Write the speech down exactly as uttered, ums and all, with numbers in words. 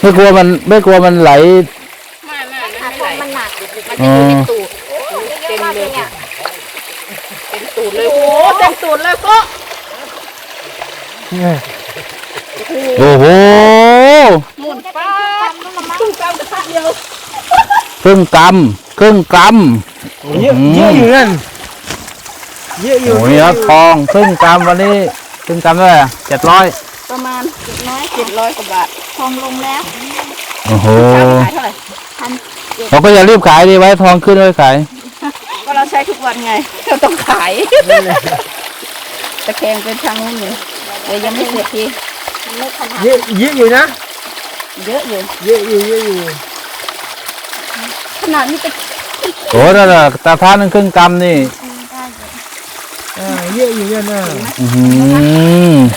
ไม่กลัวมันไม่กลัวมันไหลไม่ไม่ขาไม่ทไหลองมันหนักมันจะอยู่ในตูดเต็มเลยเนี่ยเต็มตูดเลยโอ้เต็มตูดเลยก็โอ้โหหมุนป้าตู้กำกระทะเดียวครึ่งกำครึ่งกำเยอะเยอะอยู่นั่นเยอะอยู่โอ้ยครับทองครึ่งกำวันนี้ครึ่งกำเท่าไหร่เจ็ดร้อยประมาณเจ็ดร้อยเจ็ดร้อยกว่าบาททองลงแล้วโอ้โหขายเท่าไหร่พันเราก็อย่ารีบขายดีไว้ทองขึ้นไว้ขายก็เราใช้ทุกวันไงเราต้องขายตะแคงเป็นทางนู้นอยู่เดี๋ยวยังไม่เสร็จทีมันไม่ขนาดเยอะเยอะอยู่นะเยอะอยู่เยอะอยู่เยอะอยู่ขนาดนี้จะโอ้นั่นน่ะตาพานึงครึ่งกำนี่ได้อยู่อ่าเยอะอยู่นั่นน่ะอื้อหือ